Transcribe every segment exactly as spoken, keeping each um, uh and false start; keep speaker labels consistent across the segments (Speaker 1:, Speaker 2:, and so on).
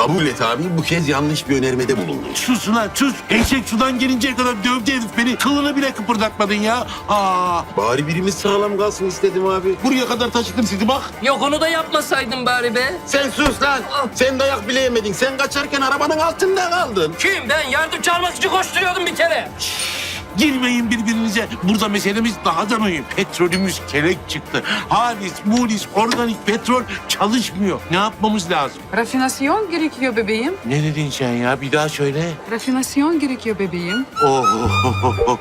Speaker 1: Kabul et abi, bu kez yanlış bir önermede bulundun.
Speaker 2: Sus ulan sus. Eşek sudan gelinceye kadar dövdü herif beni. Kılını bile kıpırdatmadın ya. Aa.
Speaker 1: Bari birimiz sağlam kalsın istedim abi. Buraya kadar taşıdım sizi bak.
Speaker 3: Yok onu da yapmasaydın bari be.
Speaker 1: Sen sus lan. Sen dayak bile yemedin. Sen kaçarken arabanın altında kaldın.
Speaker 3: Kim? Ben yardım çağırmak için koşturuyordum bir kere.
Speaker 2: Girmeyin birbirinize. Burada meselemiz daha da mühim. Petrolümüz kelek çıktı. Halis, mulis, organik petrol çalışmıyor. Ne yapmamız lazım?
Speaker 4: Rafinasyon gerekiyor bebeğim.
Speaker 2: Ne dedin sen ya? Bir daha söyle.
Speaker 4: Rafinasyon gerekiyor bebeğim.
Speaker 2: Oh, oh, oh, oh.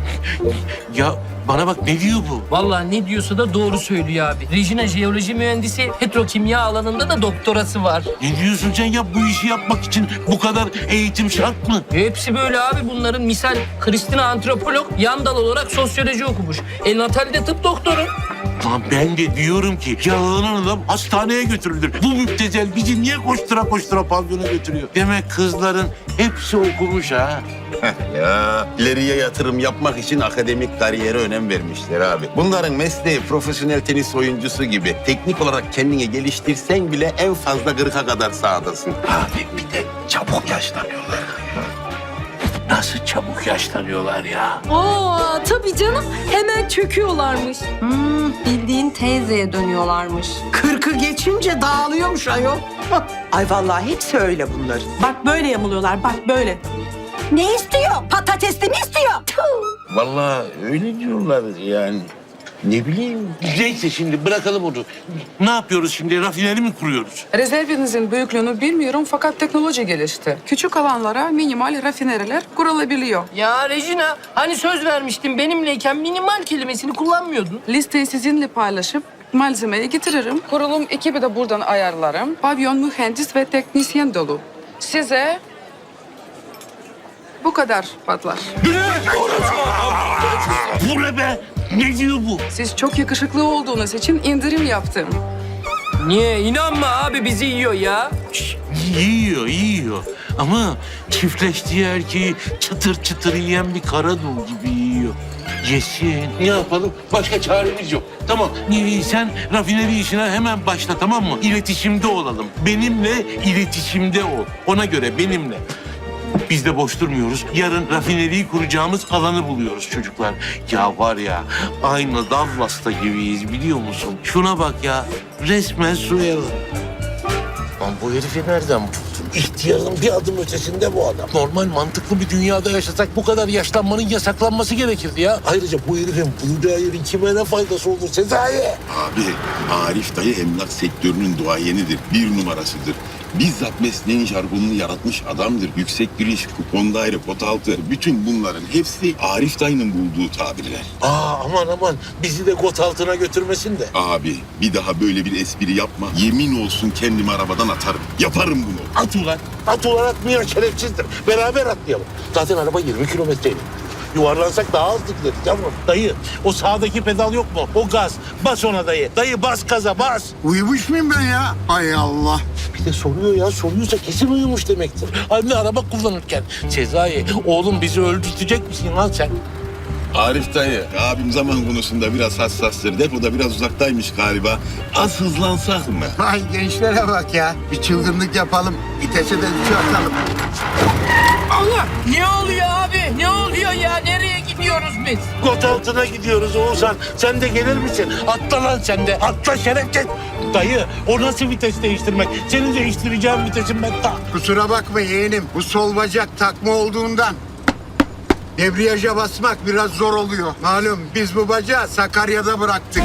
Speaker 2: Ya bana bak, ne diyor bu?
Speaker 3: Vallahi ne diyorsa da doğru söylüyor abi. Regina jeoloji mühendisi, petrokimya alanında da doktorası var.
Speaker 2: Ne diyorsun sen ya? Bu işi yapmak için bu kadar eğitim şart mı?
Speaker 3: Hepsi böyle abi bunların. Misal Kristina antropolog, yan dal olarak sosyoloji okumuş. El Natal de tıp doktoru.
Speaker 2: Lan ben de diyorum ki yalanan adam hastaneye götürülür. Bu müptezel bizi niye koştura koştura pavyona götürüyor? Demek kızların hepsi okumuş ha.
Speaker 1: Ya ileriye yatırım yapmak için akademik kariyere önem vermişler abi. Bunların mesleği profesyonel tenis oyuncusu gibi. Teknik olarak kendini geliştirsen bile en fazla kırka kadar sahadasın.
Speaker 2: Abi bir de çabuk yaşlanıyorlar. Nasıl çabuk yaşlanıyorlar ya?
Speaker 5: Aa tabii canım. Hemen çöküyorlarmış. Hmm, bildiğin teyzeye dönüyorlarmış.
Speaker 6: Kırkı geçince dağılıyormuş ayol.
Speaker 7: Ay vallahi hepsi öyle bunların.
Speaker 6: Bak böyle yamuluyorlar, bak böyle.
Speaker 5: Ne istiyor? Patatesli mi istiyor? Tüh.
Speaker 2: Vallahi öyle diyorlar yani. Ne bileyim. Neyse şimdi bırakalım onu. Ne yapıyoruz şimdi? Rafineri mi kuruyoruz?
Speaker 4: Rezervinizin büyüklüğünü bilmiyorum fakat teknoloji gelişti. Küçük alanlara minimal rafinereler kurulabiliyor.
Speaker 3: Ya Regina, hani söz vermiştin benimleyken minimal kelimesini kullanmıyordun.
Speaker 4: Listeyi sizinle paylaşıp malzemeyi getiririm. Kurulum ekibi de buradan ayarlarım. Pavyon mühendis ve teknisyen dolu. Size bu kadar patlar.
Speaker 2: Bu ne be? Ne diyor bu?
Speaker 4: Siz çok yakışıklı olduğunuz için indirim yaptım.
Speaker 3: Niye? İnanma abi bizi yiyor ya.
Speaker 2: Şş, yiyor, yiyor. Ama çiftleştiği erkeği çıtır çıtır yiyen bir karadul gibi yiyor. Yesin. Ne yapalım? Başka çaremiz yok. Tamam. Ee, Sen rafineri işine hemen başla, tamam mı? İletişimde olalım. Benimle iletişimde ol. Ona göre benimle. Biz de boş durmuyoruz. Yarın rafineriyi kuracağımız alanı buluyoruz çocuklar. Ya var ya, aynı Dallas'ta gibiyiz biliyor musun? Şuna bak ya, resmen Suella. Lan bu herifi nereden buldun? İhtiyarın bir adım ötesinde bu adam. Normal mantıklı bir dünyada yaşasak bu kadar yaşlanmanın yasaklanması gerekirdi ya. Ayrıca bu herifin bulacağı yerin kime ne faydası olur Sezai?
Speaker 8: Abi Arif dayı emlak sektörünün duayenidir. Bir numarasıdır. Bizzat mesleğin jargonunu yaratmış adamdır. Yüksek giriş, kupon daire, pot altı. Bütün bunların hepsi Arif dayının bulduğu tabirler.
Speaker 2: Aa aman aman, bizi de got altına götürmesin de.
Speaker 8: Abi bir daha böyle bir espri yapma. Yemin olsun kendimi arabadan atarım. Yaparım bunu.
Speaker 2: At ulan, at ulan atmıyor şerefsizdir. Beraber atlayalım. Zaten araba yirmi kilometreydi. Yuvarlansak daha hızlı gideriz yavrum. Dayı, o sağdaki pedal yok mu? O gaz. Bas ona dayı. Dayı bas gaza, bas.
Speaker 9: Uyumuş muyum ben ya? Hay Allah.
Speaker 2: Bir de soruyor ya, soruyorsa kesin uyumuş demektir. Anne araba kullanırken. Sezai, oğlum bizi öldürtecek misin lan sen?
Speaker 8: Arif dayı, abim zaman konusunda biraz hassastır. Depoda biraz uzaktaymış galiba. Az hızlansak mı?
Speaker 9: Ay gençlere bak ya. Bir çılgınlık yapalım. İtese de üçü atalım.
Speaker 3: Allah! Ne oluyor abi? Ne oluyor ya? Nereye gidiyoruz biz?
Speaker 2: Got altına gidiyoruz Oğuzhan. Sen de gelir misin? Atla lan sen de. Atla şerefsiz. Dayı, o nasıl vites değiştirmek? Seni değiştireceğim vitesim ben ta.
Speaker 9: Kusura bakma yeğenim. Bu sol bacak takma olduğundan. Debriyaja basmak biraz zor oluyor. Malum biz bu bacağı Sakarya'da bıraktık.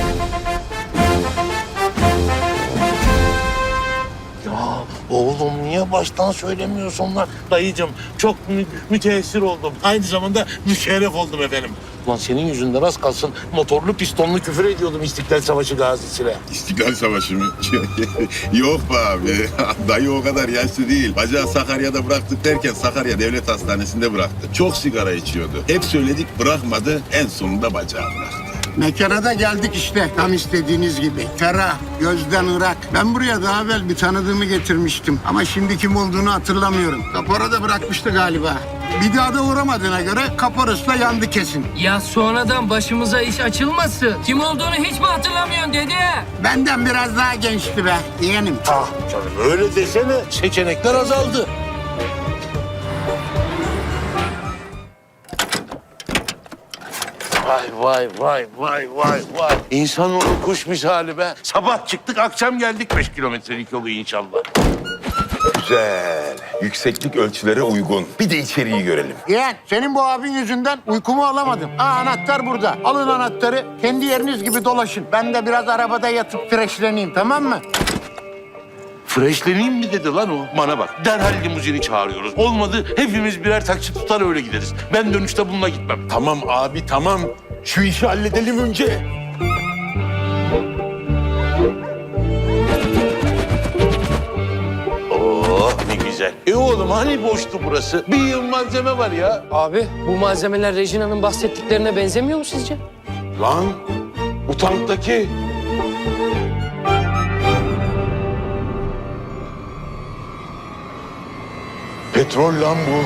Speaker 2: Ya oğlum niye baştan söylemiyorsun lan? Dayıcığım çok mü- müteessir oldum. Aynı zamanda müşerref oldum efendim. Ulan senin yüzünden az kalsın motorlu pistonlu küfür ediyordum İstiklal Savaşı gazisine.
Speaker 8: İstiklal Savaşı mı? Yok be abi. Dayı o kadar yaşlı değil. Bacağı Sakarya'da bıraktık derken Sakarya Devlet Hastanesi'nde bıraktı. Çok sigara içiyordu. Hep söyledik bırakmadı. En sonunda bacağı bıraktı.
Speaker 9: Mekana da geldik işte. Tam istediğiniz gibi. Ferah, gözden ırak. Ben buraya daha evvel bir tanıdığımı getirmiştim. Ama şimdi kim olduğunu hatırlamıyorum. Kapora da bırakmıştı galiba. Bir daha da uğramadığına göre kaporası da yandı kesin.
Speaker 3: Ya sonradan başımıza iş açılmasın. Kim olduğunu hiç mi hatırlamıyorsun dede?
Speaker 9: Benden biraz daha gençti be. Yeğenim.
Speaker 2: Ah canım öyle desene. Seçenekler azaldı. Vay vay vay vay vay vay. İnsanoğlu kuş misali be. Sabah çıktık akşam geldik beş kilometrelik yolu inşallah.
Speaker 8: Güzel. Yükseklik ölçülere uygun. Bir de içeriği görelim.
Speaker 9: Yeğen, senin bu abin yüzünden uykumu alamadım. Aa, anahtar burada. Alın anahtarı. Kendi yeriniz gibi dolaşın. Ben de biraz arabada yatıp freşleneyim, tamam mı?
Speaker 2: Freshleneyim mi dedi lan o? Bana bak derhal limuzini çağırıyoruz. Olmadı hepimiz birer taksi tutar öyle gideriz. Ben dönüşte bununla gitmem.
Speaker 8: Tamam abi tamam. Şu işi halledelim önce.
Speaker 2: Oh ne güzel. E oğlum hani boştu burası? Bir yığın malzeme var ya.
Speaker 3: Abi bu malzemeler Regina'nın bahsettiklerine benzemiyor mu sizce?
Speaker 2: Lan bu tanktaki.
Speaker 8: Petrol lan bu.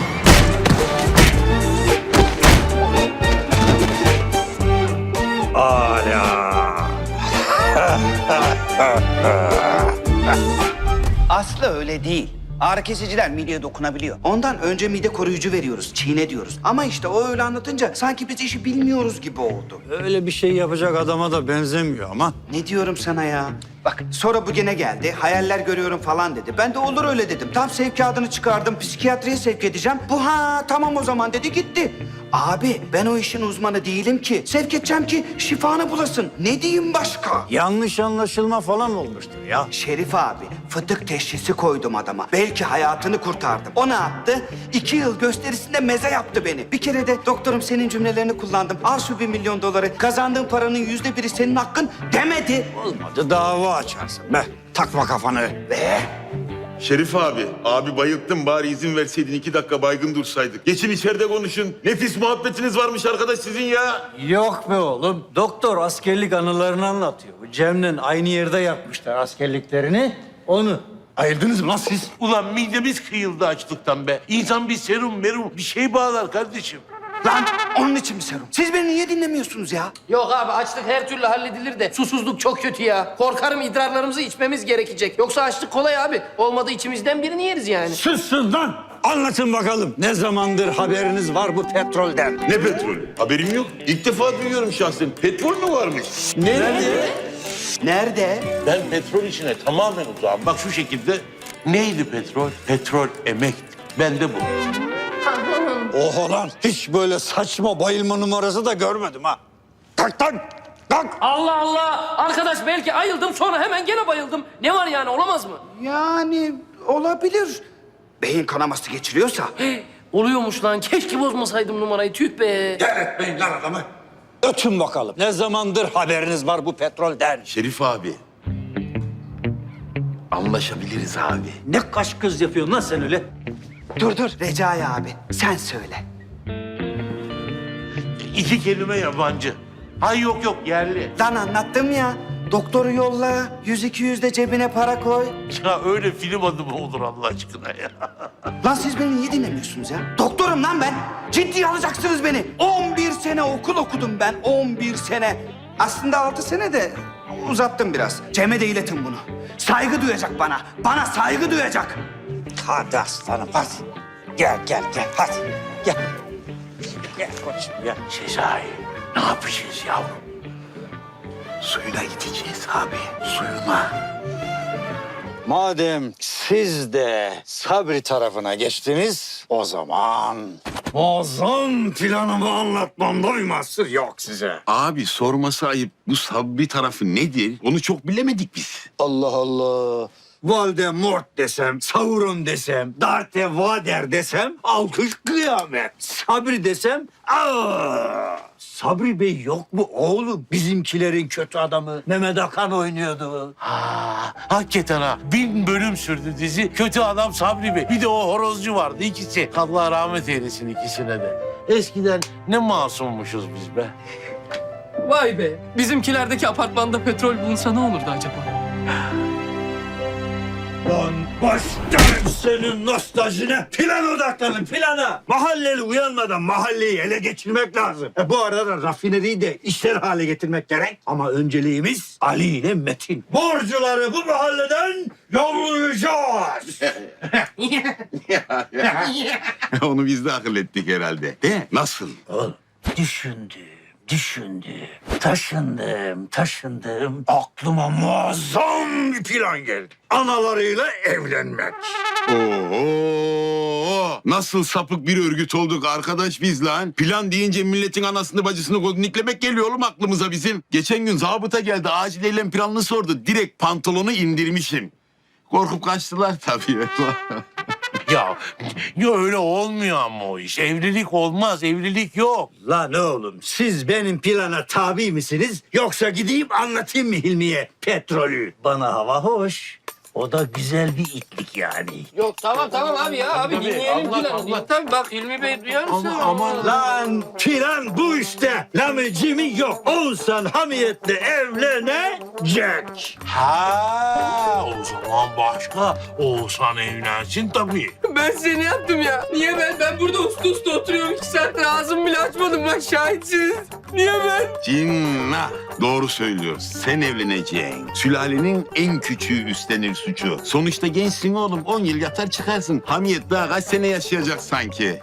Speaker 10: Aslı öyle değil. Ağrı kesiciler mideye dokunabiliyor. Ondan önce mide koruyucu veriyoruz, çiğne diyoruz. Ama işte o öyle anlatınca sanki biz işi bilmiyoruz gibi oldu.
Speaker 11: Öyle bir şey yapacak adama da benzemiyor ama.
Speaker 10: Ne diyorum sana ya? Bak sonra bu gene geldi, hayaller görüyorum falan dedi. Ben de olur öyle dedim. Tam sevkiyatını çıkardım, psikiyatriye sevk edeceğim. Bu ha tamam o zaman dedi gitti. Abi ben o işin uzmanı değilim ki. Sevk edeceğim ki şifanı bulasın. Ne diyeyim başka?
Speaker 11: Yanlış anlaşılma falan olmuştur ya.
Speaker 10: Şerif abi, fıtık teşhisi koydum adama. Belki hayatını kurtardım. O ne yaptı? İki yıl gösterisinde meze yaptı beni. Bir kere de doktorum senin cümlelerini kullandım. Al şu bir milyon doları. Kazandığın paranın yüzde biri senin hakkın demedi.
Speaker 11: Olmadı dava açarsın be. Takma kafanı.
Speaker 10: Be.
Speaker 8: Şerif abi, abi bayılttım. Bari izin verseydin iki dakika baygın dursaydık. Geçin içeride konuşun. Nefis muhabbetiniz varmış arkadaş sizin ya.
Speaker 11: Yok be oğlum. Doktor askerlik anılarını anlatıyor. Bu Cem'le aynı yerde yapmışlar askerliklerini. Onu. Ayırdınız mı lan siz?
Speaker 2: Ulan midemiz kıyıldı açlıktan be. İnsan bir serum merum bir şey bağlar kardeşim.
Speaker 10: Lan onun için mi serum? Siz beni niye dinlemiyorsunuz ya?
Speaker 3: Yok abi açlık her türlü halledilir de susuzluk çok kötü ya. Korkarım idrarlarımızı içmemiz gerekecek. Yoksa açlık kolay abi. Olmadı içimizden birini yeriz yani.
Speaker 11: Sussun lan. Anlatın bakalım. Ne zamandır haberiniz var bu petrolden?
Speaker 8: Ne petrol? Haberim yok. İlk defa duyuyorum şahsen. Petrol mü varmış?
Speaker 2: Nerede?
Speaker 10: Nerede?
Speaker 2: Ben petrol işine tamamen uzağım. Bak şu şekilde. Neydi petrol? Petrol emekti. Ben de bu.
Speaker 11: Oha lan. Hiç böyle saçma bayılma numarası da görmedim ha. Kalk lan. Kalk.
Speaker 3: Allah Allah! Arkadaş belki ayıldım sonra hemen gene bayıldım. Ne var yani olamaz mı?
Speaker 10: Yani olabilir. Beyin kanaması geçiriyorsa.
Speaker 3: Oluyormuş lan. Keşke bozmasaydım numarayı. Tüh be.
Speaker 11: Etmeyin lan adamı. Ötün bakalım. Ne zamandır haberiniz var bu petrolden?
Speaker 8: Şerif abi. Anlaşabiliriz abi.
Speaker 11: Ne kaş kız yapıyorsun lan sen öyle?
Speaker 10: Dur dur Recai abi sen söyle.
Speaker 2: İki kelime yabancı. Hay yok yok yerli.
Speaker 10: Lan anlattım ya. Doktoru yolla, yüz iki yüz de cebine para koy.
Speaker 2: Ya öyle film adı mı olur Allah aşkına ya?
Speaker 10: Lan siz beni niye dinlemiyorsunuz ya? Doktorum lan ben. Ciddiye alacaksınız beni. on bir sene okul okudum ben. on bir sene. Aslında altı sene de uzattım biraz. Cem'e de iletin bunu. Saygı duyacak bana. Bana saygı duyacak.
Speaker 11: Hadi aslanım hadi. Gel gel gel hadi. Gel. Gel koçum gel.
Speaker 2: Sezai ne yapacağız yavrum?
Speaker 8: Suyuna gideceğiz abi. Suyuna.
Speaker 11: Madem siz de Sabri tarafına geçtiniz, o zaman muazzam planımı anlatmamda bir mahsur yok size.
Speaker 8: Abi sorması ayıp. Bu Sabri tarafı nedir? Onu çok bilemedik biz.
Speaker 11: Allah Allah. Voldemort desem, Sauron desem, Darth Vader desem, alkış kıyamet. Sabri desem, aa! Sabri Bey yok mu oğlum? Bizimkilerin kötü adamı Mehmet Akan oynuyordu.
Speaker 2: Ha, hakikaten ha. Bin bölüm sürdü dizi. Kötü adam Sabri Bey. Bir de o horozcu vardı ikisi. Allah rahmet eylesin ikisine de. Eskiden ne masummuşuz biz be.
Speaker 3: Vay be. Bizimkilerdeki apartmanda petrol bulunsa ne olurdu acaba?
Speaker 11: Lan başlarım senin nostaljine. Plan odaklanın plana. Mahalleli uyanmadan mahalleyi ele geçirmek lazım. E, bu arada da rafineriyi de işler hale getirmek gerek. Ama önceliğimiz Ali ile Metin. Borcuları bu mahalleden yollayacağız.
Speaker 1: Onu biz de akıl ettik herhalde. De nasıl?
Speaker 11: Oğlum düşündüm, düşündüm, taşındım, taşındım. Aklıma muazzam bir plan geldi. Analarıyla evlenmek.
Speaker 1: Oo, nasıl sapık bir örgüt olduk arkadaş biz lan. Plan deyince milletin anasını bacısını kodniklemek geliyor oğlum aklımıza bizim. Geçen gün zabıta geldi acil eylem planını sordu. Direkt pantolonu indirmişim. Korkup kaçtılar tabii.
Speaker 2: Ya, ya öyle olmuyor ama o iş. Evlilik olmaz, evlilik yok.
Speaker 11: Lan oğlum siz benim plana tabi misiniz? Yoksa gideyim anlatayım mı Hilmi'ye petrolü? Bana hava hoş. O da güzel bir itlik yani.
Speaker 3: Yok tamam tamam abi ya. Abi
Speaker 2: Tabii,
Speaker 3: dinleyelim
Speaker 2: Allah,
Speaker 3: planı.
Speaker 2: Allah.
Speaker 3: Tabii bak Hilmi Bey duyar mısın?
Speaker 2: Ama aman
Speaker 11: Lan plan bu işte. Lamıcımı yok. Oğuzhan hamiyetle evlenecek.
Speaker 2: Ha, o zaman başka. Oğuzhan evlensin tabii.
Speaker 3: Ben seni yaptım ya. Niye ben? Ben burada usta usta oturuyorum. iki saattir ağzımı bile açmadım. Bak şahitsiniz. Niye ben?
Speaker 1: Cinnah. Doğru söylüyor. Sen evleneceksin. Sülalenin en küçüğü üstlenir suçu. Sonuçta gençsin oğlum. on yıl yatar çıkarsın. Hamiyet daha kaç sene yaşayacak sanki.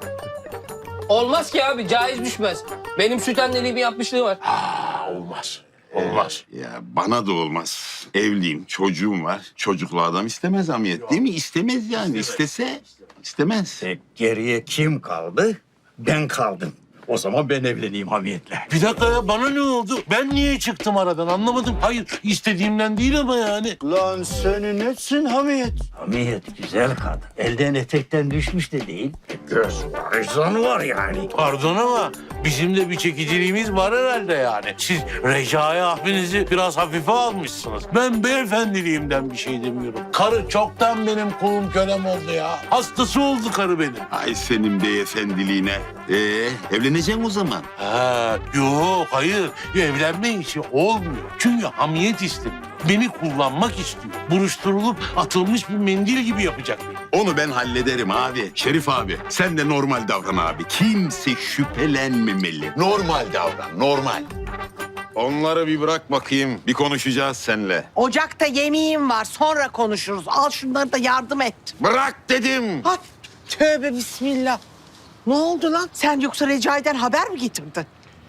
Speaker 3: Olmaz ki abi. Caiz düşmez. Benim süt anneliğimi yapmışlığı var.
Speaker 2: Ha, olmaz. Olmaz.
Speaker 1: Ya bana da olmaz. Evliyim, çocuğum var. Çocuklu adam istemez Hamiyet değil mi? İstemez yani. İstese istemez.
Speaker 11: E, geriye kim kaldı? Ben kaldım. O zaman ben evleneyim hamiyetle.
Speaker 2: Bir dakika ya, bana ne oldu? Ben niye çıktım aradan anlamadım. Hayır, istediğimden değil ama yani.
Speaker 11: Lan senin etsin hamiyet. Hamiyet güzel kadın. Elden etekten düşmüş de değil. Göz var, izan var yani.
Speaker 2: Pardon ama bizim de bir çekiciliğimiz var herhalde yani. Siz Recai abinizi biraz hafife almışsınız. Ben beyefendiliğimden bir şey demiyorum. Karı çoktan benim kulum kölem oldu ya. Hastası oldu karı benim.
Speaker 1: Ay senin beyefendiliğine. Ee, evleneceksin o zaman.
Speaker 2: Ha, yok hayır. Evlenme işi olmuyor. Çünkü hamiyet istemiyor. Beni kullanmak istiyor. Buruşturulup atılmış bir mendil gibi yapacak beni.
Speaker 1: Onu ben hallederim abi. Şerif abi sen de normal davran abi. Kimse şüphelenmemeli. Normal davran, normal. Onları bir bırak bakayım. Bir konuşacağız seninle.
Speaker 6: Ocakta yemeğim var. Sonra konuşuruz. Al şunları da yardım et.
Speaker 1: Bırak dedim.
Speaker 6: Ha, tövbe bismillah. Ne oldu lan? Sen yoksa Recai'den haber mi getirdin?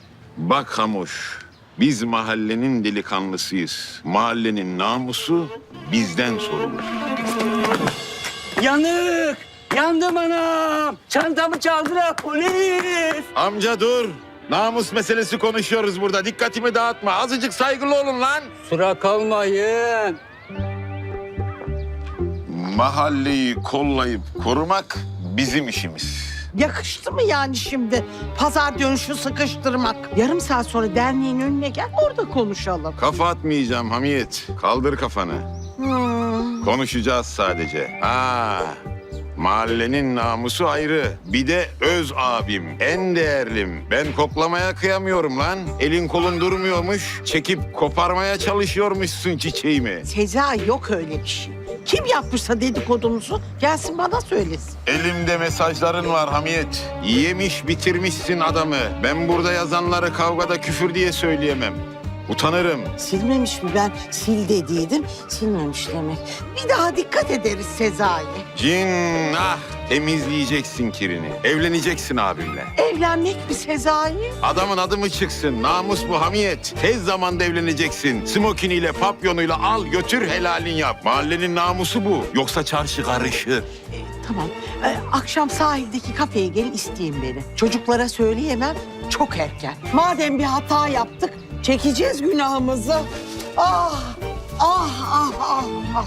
Speaker 1: Bak Hamuş, biz mahallenin delikanlısıyız. Mahallenin namusu bizden sorulur.
Speaker 11: Yanık! Yandım anam! Çantamı çaldılar polis!
Speaker 1: Amca dur. Namus meselesi konuşuyoruz burada. Dikkatimi dağıtma. Azıcık saygılı olun lan.
Speaker 11: Sıra kalmayın.
Speaker 1: Mahalleyi kollayıp korumak bizim işimiz.
Speaker 6: Yakıştı mı yani şimdi pazar dönüşü sıkıştırmak? Yarım saat sonra derneğin önüne gel, orada konuşalım.
Speaker 1: Kafa atmayacağım Hamiyet. Kaldır kafanı.
Speaker 6: Hmm.
Speaker 1: Konuşacağız sadece. Ha, mahallenin namusu ayrı. Bir de öz abim, en değerlim. Ben koklamaya kıyamıyorum lan. Elin kolun durmuyormuş. Çekip koparmaya çalışıyormuşsun çiçeğimi.
Speaker 6: Sezai yok öyle bir şey. Kim yapmışsa dedikodumuzu gelsin bana söylesin.
Speaker 1: Elimde mesajların var Hamiyet. Yemiş bitirmişsin adamı. Ben burada yazanları kavgada küfür diye söyleyemem. Utanırım.
Speaker 6: Silmemiş mi? Ben sil dediydim, silmemiş demek. Bir daha dikkat ederiz Sezai.
Speaker 1: Cinnah. Temizleyeceksin kirini. Evleneceksin abimle.
Speaker 6: Evlenmek mi Sezai?
Speaker 1: Adamın adı mı çıksın? Namus bu Hamiyet. Tez zamanda evleneceksin. Smokiniyle, papyonuyla al götür helalin yap. Mahallenin namusu bu. Yoksa çarşı karışır.
Speaker 6: Ee, tamam. Ee, akşam sahildeki kafeye gel isteyin beni. Çocuklara söyleyemem, çok erken. Madem bir hata yaptık, çekeceğiz günahımızı. Ah, ah, ah, ah, ah.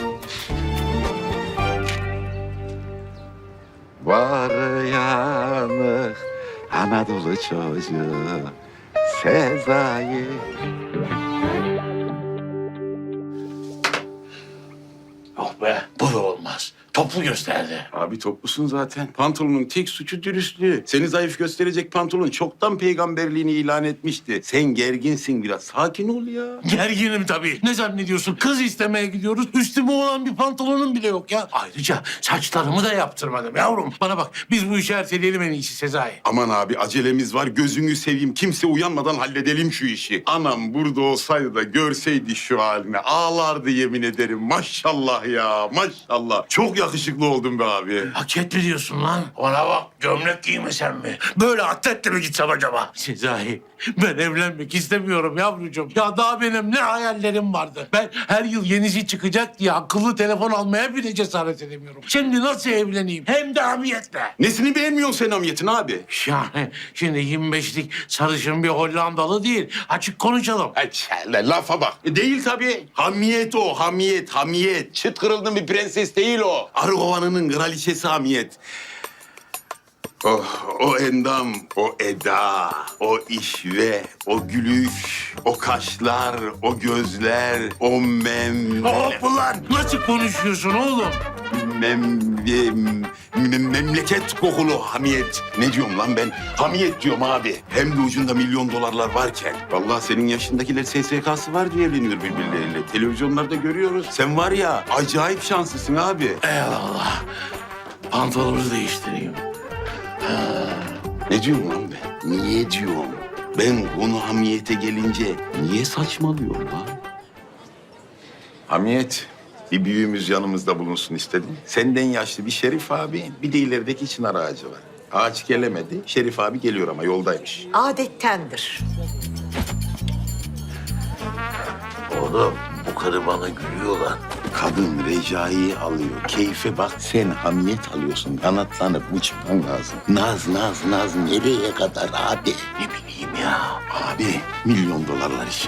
Speaker 1: Var yanık Anadolu çocuğu Sezai.
Speaker 2: Yok be, bu da olmaz. Topla toplu gösterdi.
Speaker 1: Abi toplusun zaten. Pantolonun tek suçu dürüstlüğü. Seni zayıf gösterecek pantolon çoktan peygamberliğini ilan etmişti. Sen gerginsin biraz. Sakin ol ya.
Speaker 2: Gerginim tabii. Ne zannediyorsun? Kız istemeye gidiyoruz. Üstüme olan bir pantolonum bile yok ya. Ayrıca saçlarımı da yaptırmadım yavrum. Bana bak biz bu işi erteleyelim en iyisi Sezai.
Speaker 1: Aman abi acelemiz var. Gözünü seveyim. Kimse uyanmadan halledelim şu işi. Anam burada olsaydı da görseydi şu halini. Ağlardı yemin ederim. Maşallah ya. Maşallah. Çok yakışıklı oldun be abi.
Speaker 2: Hak etti diyorsun lan. Ona bak gömlek giymesem mi? Böyle atletle mi gitsem acaba? Sezai ben evlenmek istemiyorum yavrucuğum. Ya daha benim ne hayallerim vardı. Ben her yıl yenisi çıkacak diye akıllı telefon almaya bile cesaret edemiyorum. Şimdi nasıl evleneyim? Hem de hamiyetle.
Speaker 1: Nesini beğenmiyorsun sen hamiyetin abi?
Speaker 2: Yani şimdi yirmi beşlik sarışın bir Hollandalı değil. Açık konuşalım.
Speaker 1: Ay, çelle, lafa bak. E, değil tabii. Hamiyet o, hamiyet, hamiyet. Çıt kırıldın bir prenses değil o. Argovanı'nın kraliçesi hamiyet. Oh, o endam, o eda, o işve, o gülüş, o kaşlar, o gözler, o mem...
Speaker 2: Hop ulan! Nasıl konuşuyorsun oğlum?
Speaker 1: Mem, mem- mem- memleket kokulu hamiyet. Ne diyorum lan ben? Hamiyet diyorum abi. Hem de ucunda milyon dolarlar varken. Vallahi senin yaşındakiler S S K'sı var diye evleniyor birbirleriyle. Televizyonlarda görüyoruz. Sen var ya acayip şanslısın abi.
Speaker 2: Eyvallah. Pantolonu değiştireyim.
Speaker 1: Ne diyorum lan ben? Niye diyorum? Ben konu hamiyete gelince niye saçmalıyorum lan? Hamiyet, bir büyüğümüz yanımızda bulunsun istedim. Senden yaşlı bir Şerif abi, bir de ilerideki çınar ağacı var. Ağaç gelemedi, Şerif abi geliyor ama yoldaymış.
Speaker 6: Adettendir.
Speaker 2: Oğlum bu karı bana gülüyor lan.
Speaker 1: Kadın Recai'yi alıyor. Keyfe bak, sen hamiyet alıyorsun. Kanatlanıp uçman lazım. Naz, naz, naz nereye kadar abi?
Speaker 2: Ne bileyim ya.
Speaker 1: Abi, milyon dolarlar için.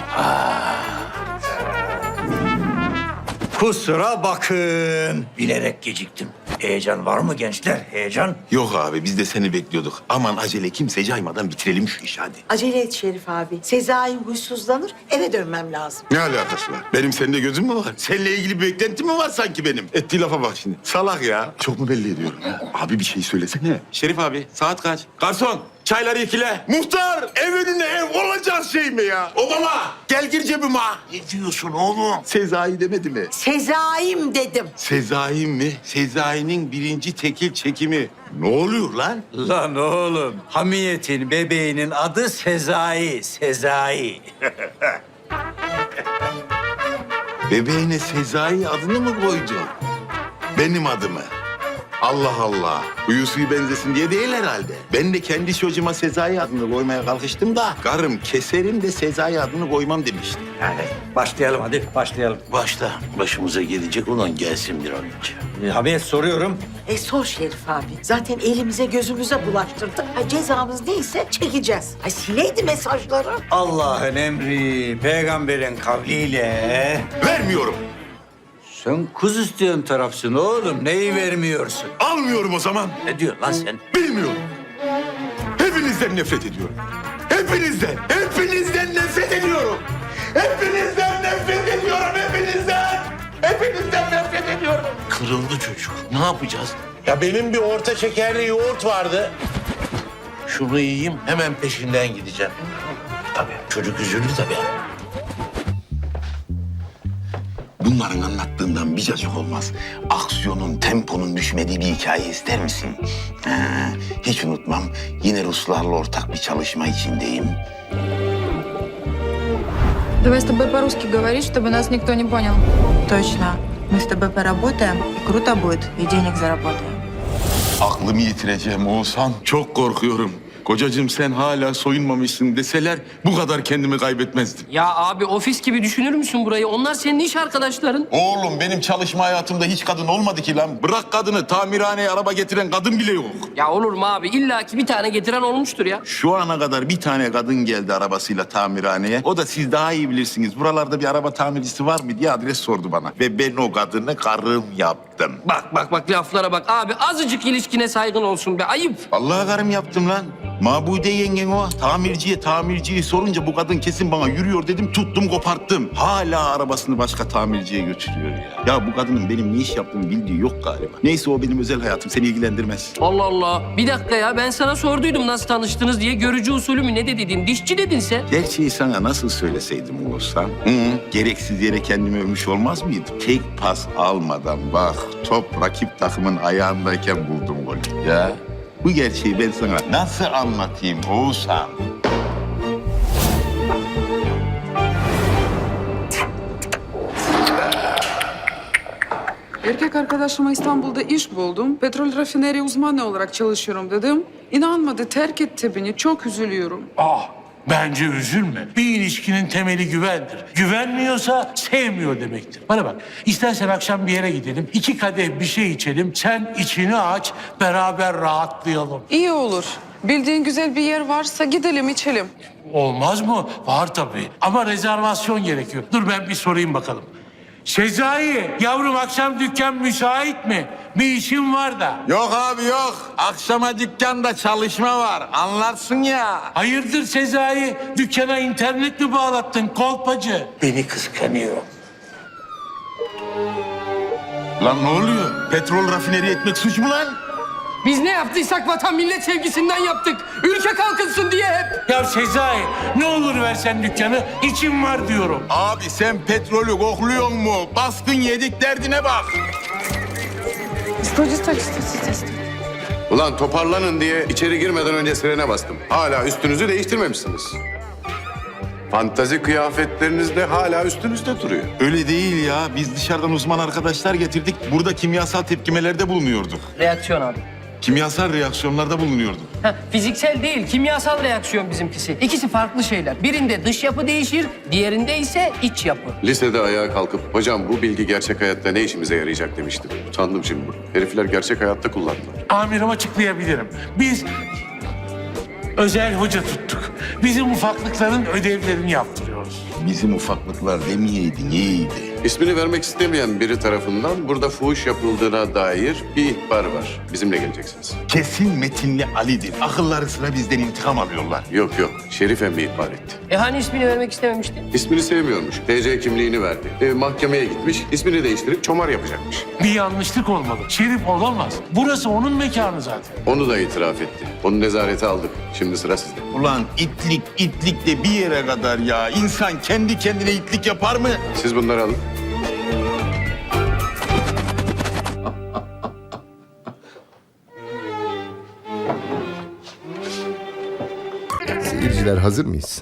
Speaker 11: Kusura bakın. Bilerek geciktim. Heyecan var mı gençler? Heyecan?
Speaker 1: Yok abi, biz de seni bekliyorduk. Aman acele kimse caymadan bitirelim şu işi hadi.
Speaker 6: Acele et Şerif abi. Sezai huysuzlanır, eve dönmem lazım.
Speaker 1: Ne alakası var? Benim seninle gözüm mü var? Seninle ilgili bir beklenti mi var sanki benim? Ettiği lafa bak şimdi. Salak ya. Çok mu belli ediyorum ya? Abi bir şey söylesene. Şerif abi saat kaç? Garson çayları ikile. Muhtar ev önüne ev olacak şey mi ya? Obama gel gir cebime.
Speaker 2: Ne diyorsun oğlum?
Speaker 1: Sezai demedi mi?
Speaker 6: Sezai'm dedim.
Speaker 1: Sezai mi? Sezai'nin birinci tekil çekimi. Ne oluyor lan?
Speaker 11: Lan oğlum, Hamiyet'in bebeğinin adı Sezai, Sezai.
Speaker 1: Bebeğine Sezai adını mı koydun? Benim adımı. Allah Allah. Huyu suyu benzesin diye değil herhalde. Ben de kendi çocuğuma Sezai adını koymaya kalkıştım da... ...karım keserim de Sezai adını koymam demişti.
Speaker 11: Yani başlayalım hadi, başlayalım.
Speaker 2: Başla. Başımıza gelecek olan gelsin bir an önce.
Speaker 11: Hamiyet soruyorum.
Speaker 6: E sor Şerif abi. Zaten elimize gözümüze bulaştırdık. Ha, cezamız neyse çekeceğiz. Ay sileydi mesajları.
Speaker 11: Allah'ın emri, peygamberin kavliyle...
Speaker 1: Vermiyorum.
Speaker 11: Sen kız isteyen tarafsın oğlum, neyi vermiyorsun?
Speaker 1: Almıyorum o zaman.
Speaker 11: Ne diyorsun lan sen?
Speaker 1: Bilmiyorum. Hepinizden nefret ediyorum. Hepinizden, hepinizden nefret ediyorum. Hepinizden nefret ediyorum, hepinizden. Hepinizden nefret ediyorum.
Speaker 2: Kırıldı çocuk. Ne yapacağız?
Speaker 12: Ya benim bir orta şekerli yoğurt vardı.
Speaker 2: Şunu yiyeyim hemen peşinden gideceğim. Tabii çocuk üzüldü tabii.
Speaker 1: Bunların anlattığından bir cacık olmaz. Aksiyonun, temponun düşmediği bir hikaye ister misin? Ha, hiç unutmam. Yine Ruslarla ortak bir çalışma içindeyim.
Speaker 5: Давай с тобой по-русски говорить, чтобы нас никто не понял.
Speaker 13: Точно. Мы с тобой поработаем, и круто будет, и денег заработаем.
Speaker 1: Aklımı yitireceğim Oğuzhan. Çok korkuyorum. Kocacığım sen hala soyunmamışsın deseler bu kadar kendimi kaybetmezdim.
Speaker 3: Ya abi ofis gibi düşünür müsün burayı? Onlar senin iş arkadaşların.
Speaker 1: Oğlum benim çalışma hayatımda hiç kadın olmadı ki lan. Bırak kadını, tamirhaneye araba getiren kadın bile yok.
Speaker 3: Ya olur mu abi? İlla ki bir tane getiren olmuştur ya.
Speaker 1: Şu ana kadar bir tane kadın geldi arabasıyla tamirhaneye. O da siz daha iyi bilirsiniz. Buralarda bir araba tamircisi var mı diye adres sordu bana. Ve ben o kadını karım yaptım.
Speaker 3: Bak bak bak laflara bak. Abi azıcık ilişkine saygın olsun be. Ayıp.
Speaker 1: Vallahi karım yaptım lan.
Speaker 8: Mabude yengen o. Tamirciye tamirciyi sorunca bu kadın kesin bana yürüyor dedim. Tuttum koparttım. Hala arabasını başka tamirciye götürüyor ya. Ya bu kadının benim ne iş yaptığımı bildiği yok galiba. Neyse o benim özel hayatım. Seni ilgilendirmez.
Speaker 3: Allah Allah. Bir dakika ya, ben sana sorduydum nasıl tanıştınız diye. Görücü usulü mü ne de dedin? Dişçi dedin sen.
Speaker 8: Gerçeği sana nasıl söyleseydim Oğuzhan? Hı, gereksiz yere kendimi övmüş olmaz mıydım? Tek pas almadan bak top rakip takımın ayağındayken buldum golü. Ya bu gerçeği ben sana nasıl anlatayım Oğuzhan?
Speaker 4: Erkek arkadaşıma İstanbul'da iş buldum. Petrol rafineri uzmanı olarak çalışıyorum dedim. İnanmadı, terk etti beni. Çok üzülüyorum.
Speaker 2: Ah, bence üzülme. Bir ilişkinin temeli güvendir. Güvenmiyorsa sevmiyor demektir. Bana bak, istersen akşam bir yere gidelim. İki kadeh bir şey içelim. Sen içini aç, beraber rahatlayalım.
Speaker 4: İyi olur. Bildiğin güzel bir yer varsa gidelim, içelim.
Speaker 2: Olmaz mı? Var tabii. Ama rezervasyon gerekiyor. Dur ben bir sorayım bakalım. Sezai, yavrum akşam dükkan müsait mi? Bir işim var da.
Speaker 8: Yok abi yok. Akşama dükkanda çalışma var. Anlarsın ya.
Speaker 2: Hayırdır Sezai? Dükkana internet mi bağlattın kolpacı? Beni kıskanıyor.
Speaker 8: Lan ne oluyor? Petrol rafineri etmek suç mu lan?
Speaker 3: Biz ne yaptıysak vatan millet sevgisinden yaptık. Ülke kalkınsın diye hep.
Speaker 2: Ya Sezai, ne olur versen dükkanı, içim var diyorum.
Speaker 8: Abi sen petrolü kokluyor mu? Baskın yedik derdine bak.
Speaker 4: Stoj, stoj, stoj, stoj.
Speaker 12: Ulan toparlanın diye içeri girmeden önce sirene bastım. Hala üstünüzü değiştirmemişsiniz. Fantazi kıyafetleriniz de hala üstünüzde duruyor.
Speaker 8: Öyle değil ya. Biz dışarıdan uzman arkadaşlar getirdik. Burada kimyasal tepkimelerde bulunuyorduk.
Speaker 3: Reaksiyon abi.
Speaker 8: Kimyasal reaksiyonlarda bulunuyorduk.
Speaker 3: Ha, fiziksel değil, kimyasal reaksiyon bizimkisi. İkisi farklı şeyler. Birinde dış yapı değişir, diğerinde ise iç yapı.
Speaker 12: Lisede ayağa kalkıp hocam bu bilgi gerçek hayatta ne işimize yarayacak demiştim. Utandım şimdi. Herifler gerçek hayatta kullandılar.
Speaker 2: Amirim açıklayabilirim. Biz özel hoca tuttuk. Bizim ufaklıkların ödevlerini yaptırıyoruz.
Speaker 8: Bizim ufaklıklar demeyeydin iyiydi.
Speaker 12: İsmini vermek istemeyen biri tarafından burada fuhuş yapıldığına dair bir ihbar var. Bizimle geleceksiniz.
Speaker 8: Kesin Metinli Ali'dir. Akılları sıra bizden intikam alıyorlar.
Speaker 12: Yok yok. Şerif emmi ihbar etti.
Speaker 3: E hani ismini vermek istememişti?
Speaker 12: İsmini sevmiyormuş. T C kimliğini verdi. E, mahkemeye gitmiş. İsmini değiştirip çomar yapacakmış.
Speaker 2: Bir yanlışlık olmalı. Şerif olamaz. Burası onun mekanı zaten.
Speaker 12: Onu da itiraf etti. Onu nezarete aldık. Şimdi sıra sizde.
Speaker 8: Ulan itlik itlik de bir yere kadar ya. İnsan kendi kendine itlik yapar mı?
Speaker 12: Siz bunları alın.
Speaker 14: Seyirciler hazır mıyız?